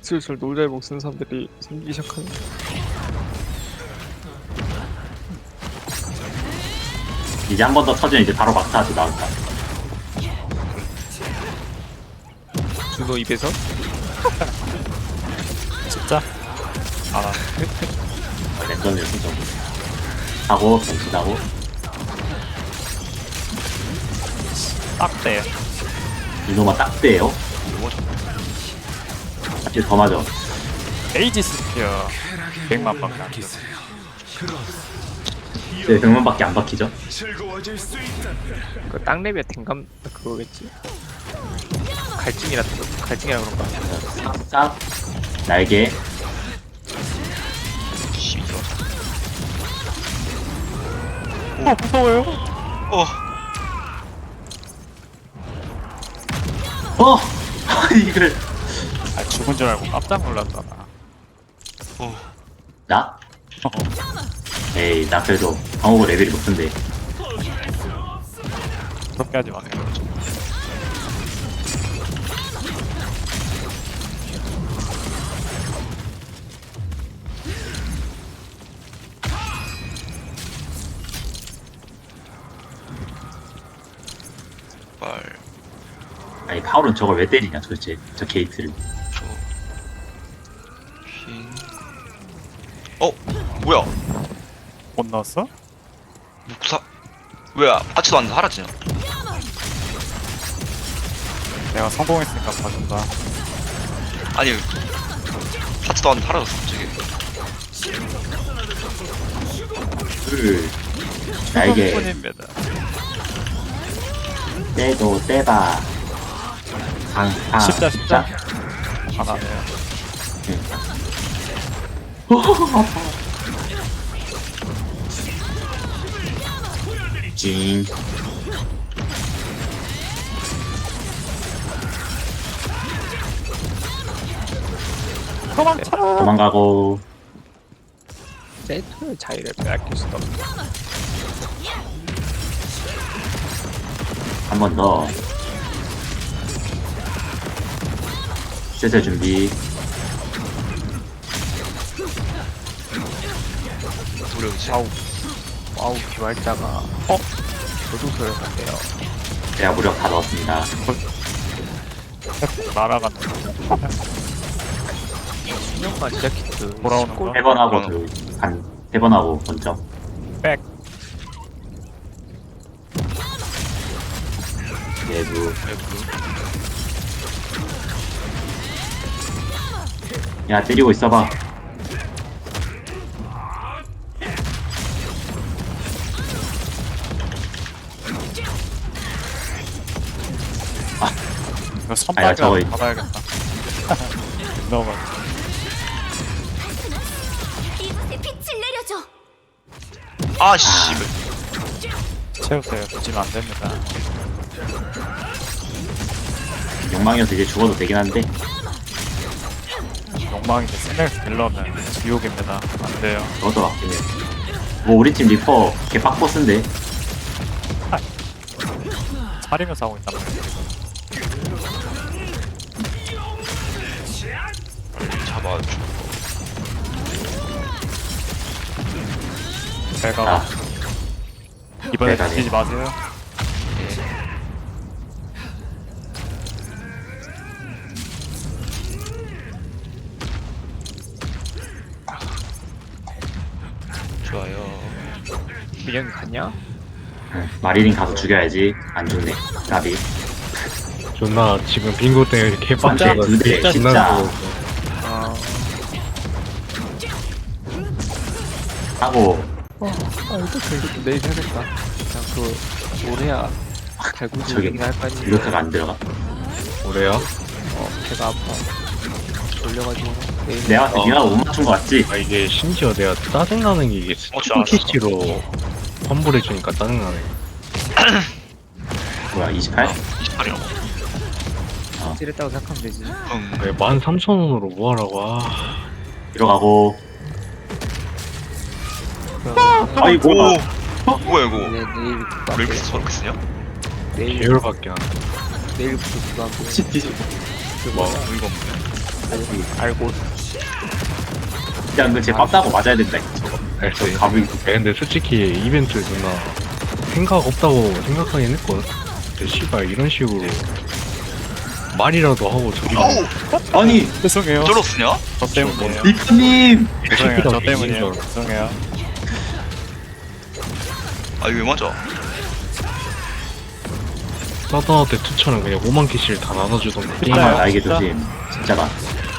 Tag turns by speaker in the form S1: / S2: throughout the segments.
S1: 슬슬 놀잘복 쓰는 사람들이 생기기 시작하네.
S2: 이제 한 번 더 터지면 이제 바로 막타하지 나온다.
S1: 준호 입에서
S3: 진짜? 알아.
S2: 랜덤이요 진짜. 하고 변신하고
S3: 딱대.
S2: 이놈아 딱대요. 사실 더 맞아.
S3: 에이지 스피어 100만 밖에 안 돼.
S2: 네, 100만밖에 안 박히죠.
S1: 그 땅랩의 댕감 그거겠지? 갈증이라 그런가?
S2: 싹 날개.
S3: 무서워요.
S2: 이걸
S3: 아, 죽은 줄 알고 깜짝 놀랐잖아.
S2: 나? 에이 나 그래도 방어구 레벨이 높은데.
S3: 그렇게 하지 마세요.
S2: 아니 파울은 저걸 왜 때리냐 도대체 저 게이트를.
S4: 뭐야?
S3: 못 넣었어?
S4: 구사 왜 아치도 안 사라지냐?
S3: 내가 성공했으니까 봐준다.
S4: 아니 아치도 안 사라졌어 갑자기.
S2: 날개
S3: 성공입니다.
S2: 떼도 떼봐. 강타.
S3: 십자. 하나네요.
S2: 징.
S3: 도망쳐.
S2: 도망가고.
S1: 세트의 자유를 빼앗길 수도 없다.
S2: 한 번 더. 세세 준비.
S4: 무력이지.
S1: 와우 기발자가 교도소를 간대요.
S2: 제가 무력 다 넣었습니다.
S3: 날아갔네.
S1: 10년간 시작했던
S3: 돌아오는 거?
S2: 3번 하고 한 3번 하고 번점.
S3: 백.
S2: 내부. 야 때리고 있어봐.
S3: 이거
S2: 아야,
S3: 선박이라
S2: 저거
S3: 받아야겠다. 너무
S5: 이곳에 빛을 내려줘.
S4: 아씨.
S3: 채우세요. 뒤지면 안 됩니다.
S2: 욕망이어서 이제 죽어도 되긴 한데.
S3: 욕망인데 스멜스 딜러면 지옥입니다. 안 돼요.
S2: 그것도 맞긴 해. 뭐 우리 팀 리퍼 걔 빡보스인데.
S3: 차리면서 하고 있단 말이야.
S4: 잡아줘.
S3: 배가
S2: 아
S3: 이번에
S2: 배가네.
S3: 뒤지지 마세요.
S4: 좋아요.
S1: 민영이 갔냐?
S2: 응, 마리린 가서 죽여야지. 안 죽네. 나비.
S6: 존나 지금 빙고 때문에
S2: 진짜?
S6: 개빡쳐서
S2: 두 대,
S6: 진짜
S2: 진짜.
S6: 신나고
S1: 아,
S2: 하고
S1: 일단 결국 내일 해야겠다. 그냥 그 올해야 달구지
S2: 저기
S1: 얘기나 할거 아니야.
S2: 이렇게가 안 들어가.
S6: 그래요?
S1: 배가 아파. 졸려가지고 내일.
S2: 내가 봤을 때 네가 못 맞춘 거 같지?
S6: 아 이게 심지어 내가 짜증나는 게 이게
S4: 알았어.
S6: 스피치로 환불해주니까 짜증나네.
S2: 뭐야 28?
S4: 28이라고.
S1: 찔했다고 생각하면 되지.
S6: 왜 13,000원으로 뭐하라고.
S2: 들어가고.
S1: 그럼
S2: 아이고.
S4: 뭐야 이거?
S1: 내일
S4: 왜 이렇게 저렇게 쓰냐?
S1: 내일
S6: 계열밖에 안 돼.
S1: 내일부터 그거 하고
S2: 뒤지.
S1: 그
S6: 뭐.
S1: 뭐야
S4: 이거 없네.
S3: 알고.
S2: 그냥 그쟤 ปั๊다고 맞아야 된다 저거.
S6: 알지.
S2: 저 갑을
S6: 근데 솔직히 이벤트 누나 생각 없다고 생각하긴 했거든. 근데 씨발 이런 식으로 말이라도 하고 저기
S2: 아니
S3: 죄송해요.
S4: 어쩌러 쓰냐?
S3: 저 때문이에요.
S2: 리프님
S3: 죄송해요. 저
S6: 이긴 줄
S3: 때문이에요.
S6: 알았어.
S3: 죄송해요.
S4: 아 이거 왜 맞아?
S6: 사다한테 투처는 그냥 5만 개씩 다 나눠주던데.
S3: 진짜요?
S2: 정말 나에게
S3: 진짜?
S2: 조심 진짜가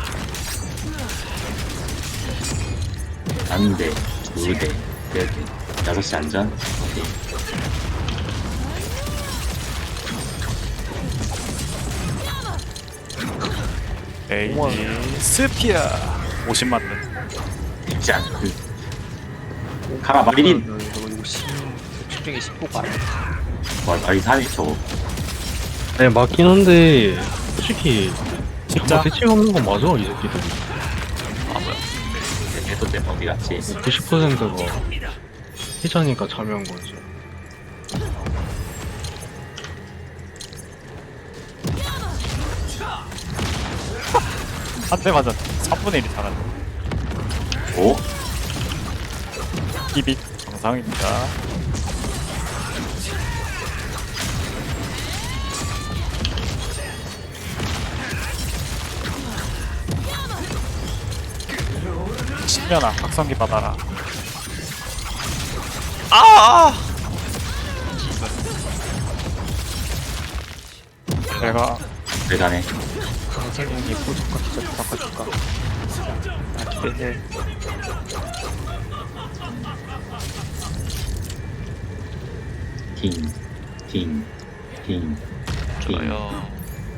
S2: 안돼 2대 6시 안전 오케이.
S3: 에이 스피아 50만 원.
S2: 쉽지 않 가라 마리린
S1: 이거 10 중에 10호가 아니야.
S2: 와 마리 사네 저거
S6: 네 맞긴 한데 솔직히
S3: 진짜?
S6: 대책 없는 건 맞아 이 새끼들이.
S2: 아 뭐야 얘도 내 어디 갔지
S6: 90%가 해자니까 참여한 거지.
S3: 한 대 맞아. 3분의 1이 잘하네.
S2: 오?
S3: 힙이 정상입니다. 신년아 각성기 받아라.
S4: 아!
S3: 내가
S2: 대단해
S1: 강생님이 포즈가 진짜 바꿔줄까? 나 기대해.
S2: 팅팅팅팅
S4: 좋아요.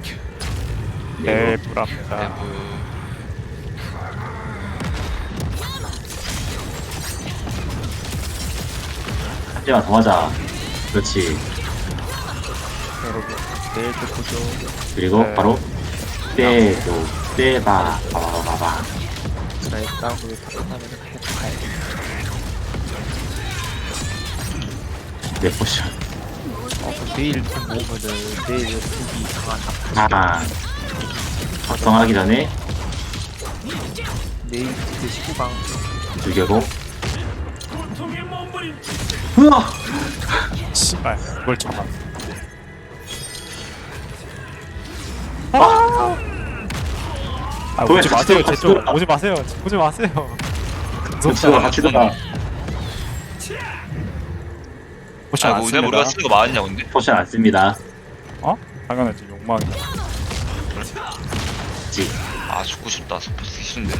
S3: 네 불합니다.
S2: 한 대만 더 맞아 그렇지
S1: 여러분 내일도 보죠.
S2: 그리고
S3: 네.
S2: 바로 때도 때봐 봐봐봐봐
S1: 나의 싸움을 파탄하면 계속 가야 돼.
S2: 내 포션
S1: 그럼 내일 돈 모으면은 내일 여기 강한
S2: 아 작성하기 전에
S1: 내일 그 19강
S2: 죽여고 우와
S3: 씨발 그걸 참아. 아
S2: 거기
S3: 오지
S2: 같이
S3: 마세요.
S2: 들어가,
S3: 제쪽
S2: 들어가.
S3: 오지 마세요. 오지 마세요.
S2: 접수가 같이 들어가
S3: 포션
S4: 아
S3: 안
S4: 이거
S3: 씁니다.
S4: 우리가 쓰는 거 맞았냐 근데?
S2: 포션 안 씁니다
S3: 어? 당연하지 욕망이야.
S2: 지
S4: 아 죽고 싶다. 스포츠 쓰기 싫은데.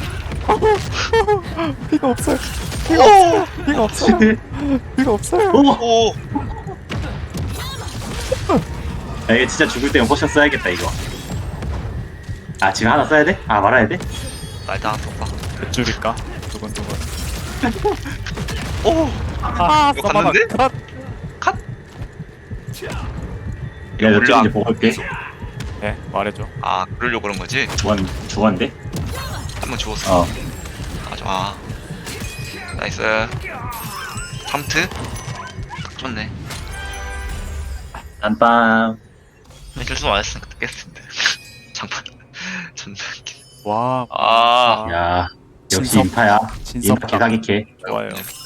S3: 피가 없어요. 피가 없어요. 피가 없어요. 피가 없어요.
S2: 오!
S4: 오!
S2: 야, 이게 진짜 죽을 때면 포션 써야겠다 이거 아 지금 하나 써야 돼? 아 말아야 돼?
S4: 나 일단 하나 써봐.
S3: 몇 줄일까? 두근두근.
S4: 오!
S3: 아
S4: 이거
S3: 써봐라.
S4: 갔는데?
S3: 컷.
S2: 야 몇
S4: 물량.
S2: 줄인지 보고 올게
S3: 네 말해줘.
S4: 아 그러려고 그런 거지?
S2: 죽었는데?
S4: 한 명 죽었어.
S2: 어
S4: 아 좋아. 나이스. 3트? 딱 좋네.
S2: 땀빵
S4: 실수 안 했으니까 듣겠는데. 잠깐. 존나 웃기네.
S3: 와.
S4: 아.
S2: 야 역시
S3: 진섭.
S2: 인파야
S3: 진섭.
S2: 인파 개사기캐
S3: 좋아요.